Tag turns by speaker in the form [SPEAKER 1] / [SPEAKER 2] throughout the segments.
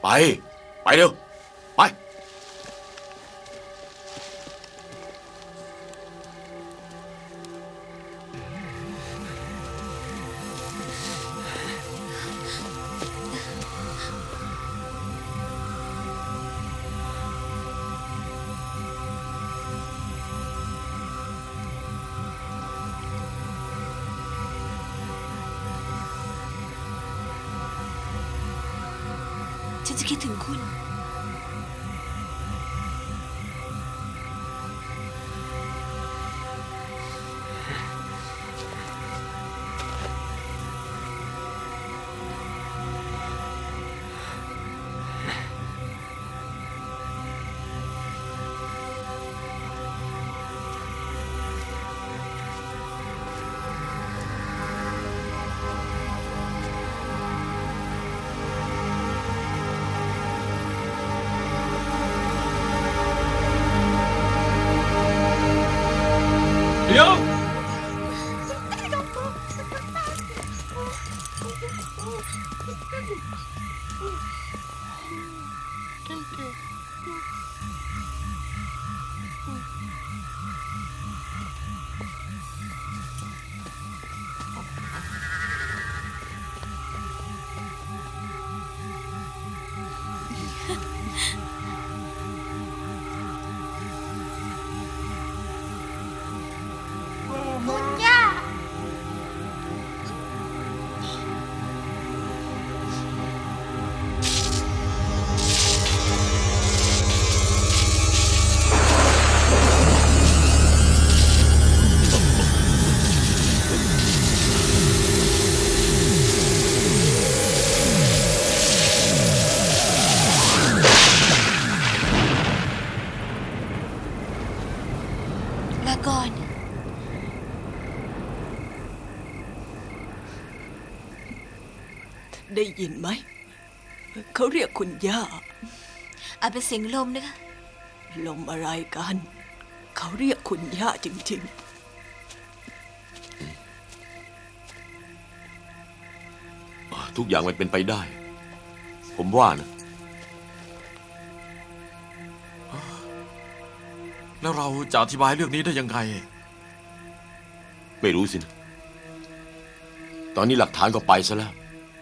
[SPEAKER 1] ไปเร็วไป
[SPEAKER 2] ฉันจะคิดถึงคุณ
[SPEAKER 1] เดี๋ยว
[SPEAKER 2] คุณย่าลาก่อน
[SPEAKER 3] ได้ยินไหม เขาเรียกคุณย่า
[SPEAKER 2] อาจเป็นเสียงลมนะคะ
[SPEAKER 3] ลมอะไรกัน เขาเรียกคุณย่าจริง
[SPEAKER 1] ทุกอย่างมันเป็นไปได้ ผมว่านะ
[SPEAKER 4] แล้วเราจะอธิบายเรื่องนี้ได้ยังไง
[SPEAKER 1] ไม่รู้สินะตอนนี้หลักฐานก็ไปซะแล้ว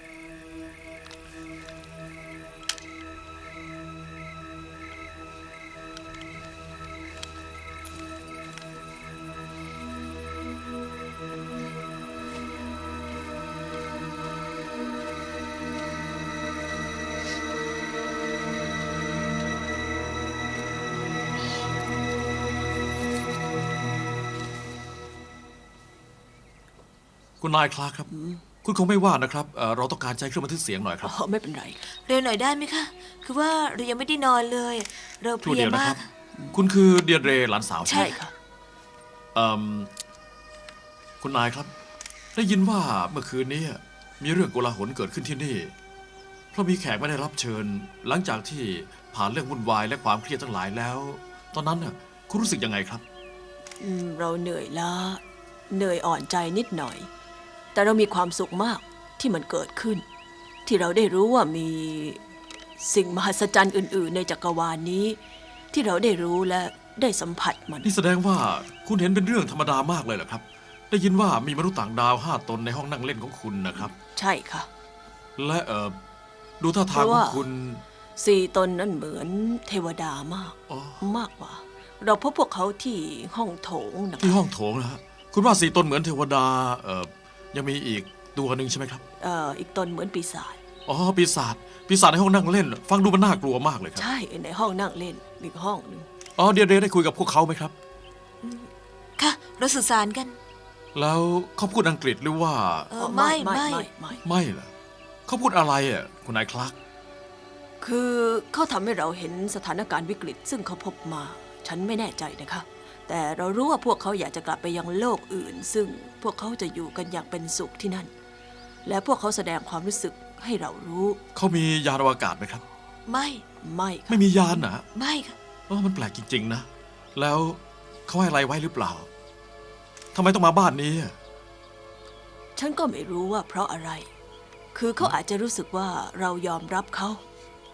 [SPEAKER 4] คุณนายคลาร์กครับ คุณคงไม่ว่านะครับเราต้องการใช้เครื่องบันทึกเสียงหน่อยครับ
[SPEAKER 3] ๆ ไม่เป็นไร
[SPEAKER 2] เร็วหน่อยได้ไหมคะ คือว่าเรายังไม่ได้นอนเลย เราเพ
[SPEAKER 4] ช่ว
[SPEAKER 2] ลี
[SPEAKER 4] เดี
[SPEAKER 2] ย
[SPEAKER 4] ยวนะ
[SPEAKER 2] มา
[SPEAKER 4] ครั
[SPEAKER 2] ก
[SPEAKER 4] บ คุณคือเดียนเรย์หลานสาว
[SPEAKER 2] ใช่
[SPEAKER 3] ใช่ค่ะ
[SPEAKER 4] เอิ่มคุณนายครับ ได้ยินว่าเมื่อคืนนี้มีเรื่องโกลาหลเกิดขึ้นที่นี่ เพราะมีแขกไม่ได้รับเชิญ หลังจากที่ผ่านเรื่องวุ่นวายและความเครียดทั้งหลายแล้ว ตอนนั้นน่ะคุณรู้สึกยังไงครับ
[SPEAKER 3] เราเหนื่อยล้า เหนื่อยอ่อนใจนิดหน่อย แต่เรามีความสุขมากที่มันเกิดขึ้น ที่เราได้รู้ว่ามีสิ่งมหัศจรรย์อื่น ๆ ในจักรวาลนี้ ที่เราได้รู้และได้สัมผัสมัน
[SPEAKER 4] นี่แสดงว่าคุณเห็นเป็นเรื่องธรรมดามากเลยเหรอครับ ได้ยินว่ามีมนุษย์ต่างดาว5 ตนในห้องนั่งเล่นของคุณนะครับ
[SPEAKER 3] ใช่ค่ะ
[SPEAKER 4] และดูท่าทาง
[SPEAKER 3] เพราะ
[SPEAKER 4] ขอ
[SPEAKER 3] ว่า
[SPEAKER 4] งคุณ
[SPEAKER 3] 4 ตนนั้นเหมือนเทวดามาก
[SPEAKER 4] อ๋อ
[SPEAKER 3] มากกว่า เราพบพวกเขาที่ห้องโถงนะ
[SPEAKER 4] ที่
[SPEAKER 3] คะ
[SPEAKER 4] ห้องโถงนะฮะคุณว่า4 ตนเหมือนเทวดายังมีอีกตัวหนึ่งใช่ไหมครับ
[SPEAKER 3] อีกตนเหมือนปีศาจ
[SPEAKER 4] อ๋อปีศาจในห้องนั่งเล่น ฟังดูมันน่ากลัวมากเลยครับ
[SPEAKER 3] ใช่ในห้องนั่งเล่นอีกห้องหนึ่ง
[SPEAKER 4] อ๋อเดียเรได้คุยกับพวกเขาไหมครับ
[SPEAKER 2] ค่ะ เราสื่อสารกัน
[SPEAKER 4] แล้วเขาพูดอังกฤษหรือว่า
[SPEAKER 2] ไม่
[SPEAKER 4] ไม่เหรอเขาพูดอะไรอ่ะคุณนายคลาร์ก
[SPEAKER 3] คือเขาทำให้เราเห็นสถานการณ์วิกฤต ซึ่งเขาพบมา ฉันไม่แน่ใจนะคะ แต่เรารู้ว่าพวกเขาอยากจะกลับไปยังโลกอื่น ซึ่งพวกเขาจะอยู่กันอย่างเป็นสุขที่นั่น และพวกเขาแสดงความรู้สึกให้เรารู้
[SPEAKER 4] เขามียานอวกาศไหมครับ
[SPEAKER 2] ไม่
[SPEAKER 3] ไม่ค่ะ
[SPEAKER 4] ไม่มียานนะ
[SPEAKER 2] ไม่ค่ะ
[SPEAKER 4] อ๋อมันแปลกจริงๆนะ แล้วเขาให้อะไรไว้หรือเปล่าทำไมต้องมาบ้านนี้อะ
[SPEAKER 3] ฉันก็ไม่รู้ว่าเพราะอะไร คือเขาอาจจะรู้สึกว่าเรายอมรับเขา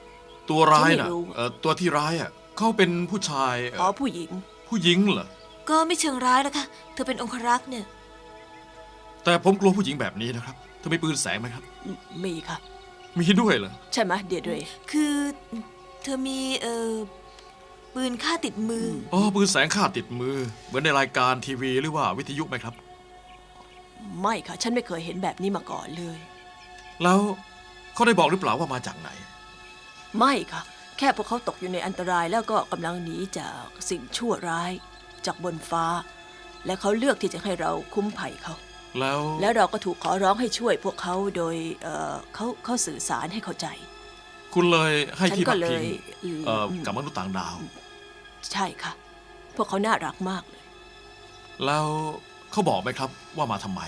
[SPEAKER 4] ตัวร้าย
[SPEAKER 3] ฉัน
[SPEAKER 4] น่ะ
[SPEAKER 3] ไม่รู้
[SPEAKER 4] ตัวที่ร้ายอ่ะเขาเป็นผู้ชาย
[SPEAKER 3] อ๋อผู้หญิง
[SPEAKER 4] ผู้หญิงเหรอ
[SPEAKER 2] ก็ไม่เชิงร้ายแล้วค่ะ เธอเป็นองครักษ์เนี่ย
[SPEAKER 4] แต่ผมกลัวผู้หญิงแบบนี้นะครับเธอมีปืนแสงไหมครับ
[SPEAKER 3] มีค่ะ
[SPEAKER 4] มีด้วยเหรอ
[SPEAKER 3] ใช่ไหมเดียดเรย์
[SPEAKER 2] คือเธอมีปืนฆ่าติดมืออ
[SPEAKER 4] อ๋อปืนแสงฆ่าติดมือ เหมือนในรายการทีวีหรือว่าวิทยุไหมครับ
[SPEAKER 3] ไม่ค่ะ ฉันไม่เคยเห็นแบบนี้มาก่อนเลย
[SPEAKER 4] แล้วเขาได้บอกหรือเปล่าว่ามาจากไหน
[SPEAKER 3] ไม่ค่ะ แค่พวกเขาตกอยู่ในอันตรายแล้วก็กำลังหนีจากสิ่งชั่วร้ายจากบนฟ้า และเขาเลือกที่จะให้เราคุ้มภัยเขา
[SPEAKER 4] แล้ว
[SPEAKER 3] แล้วเราก็ถูกขอร้องให้ช่วยพวกเขาโดยเขาสื่อสารให้เข้าใจ
[SPEAKER 4] คุณเลยให้
[SPEAKER 3] ฉัน
[SPEAKER 4] ที่
[SPEAKER 3] ก็
[SPEAKER 4] พัก
[SPEAKER 3] เล
[SPEAKER 4] พิง
[SPEAKER 3] ย
[SPEAKER 4] กับมนุษย์ต่างดาว
[SPEAKER 3] ใช่ค่ะ พวกเขาน่ารักมากเลย
[SPEAKER 4] แล้วเขาบอกไหมครับว่ามาทำไม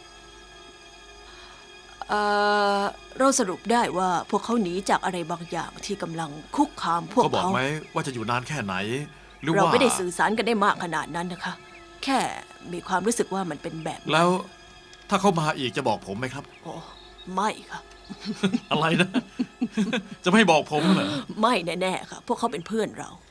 [SPEAKER 3] เราสรุปได้ว่าพวกเขาหนีจากอะไรบางอย่างที่กำลังคุกคามพวก
[SPEAKER 4] เขาบอก
[SPEAKER 3] เขา
[SPEAKER 4] ไหมว่าจะอยู่นานแค่ไหน หรือ
[SPEAKER 3] เรา
[SPEAKER 4] ว่า
[SPEAKER 3] ไม่ได้สื่อสารกันได้มากขนาดนั้นนะคะ แค่มีความรู้สึกว่ามันเป็นแบบนั้น
[SPEAKER 4] แล้วถ้าเขามาอีกจะบอกผมไหมครับ
[SPEAKER 3] โอ้ไม่ค่ะ
[SPEAKER 4] อะไรนะ จะไม่บอกผมเหรอ
[SPEAKER 3] ไม่แน่ๆค่ะ พวกเขาเป็นเพื่อนเรา